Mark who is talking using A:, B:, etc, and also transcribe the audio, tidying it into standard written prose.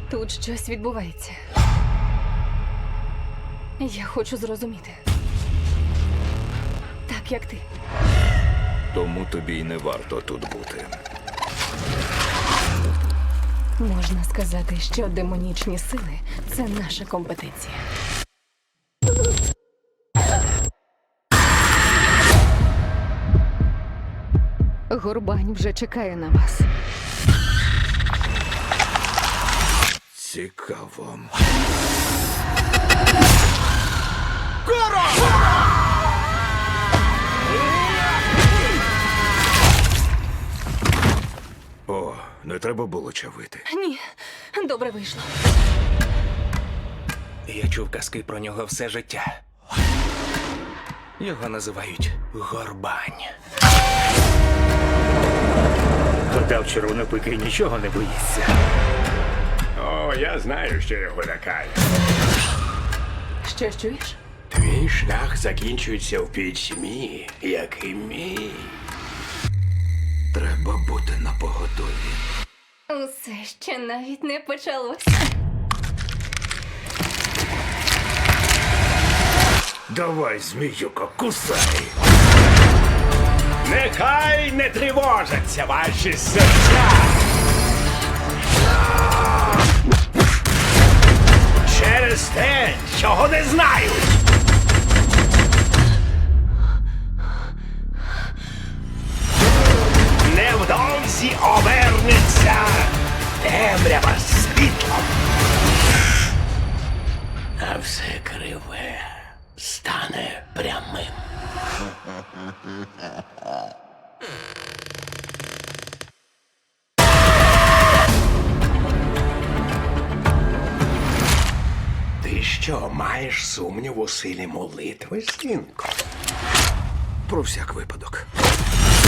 A: Тут щось відбувається. Я хочу зрозуміти. Так, як ти.
B: Тому тобі й не варто тут бути.
A: Можна сказати, що демонічні сили – це наша компетенція. Горбань вже чекає на вас.
B: Цікаво. О, не треба було чавити.
A: Ні, добре вийшло.
C: Я чув казки про нього все життя. Його називають Горбань.
D: Гадав, червонопикий нічого не боїться.
E: О, я знаю, що його лякає.
A: Що чуєш?
E: Твій шлях закінчується в пітьмі, як і мій.
B: Треба бути напоготові.
A: Усе ще навіть не почалось.
B: Давай, зміюко, кусай!
E: Нехай не тривожаться ваші серця. Через те, чого не знають. Невдовзі обернеться темрява світлом. А все криве стане прямим. Ти що, маєш сумнів у силі молитви, синку?
B: Про всяк випадок.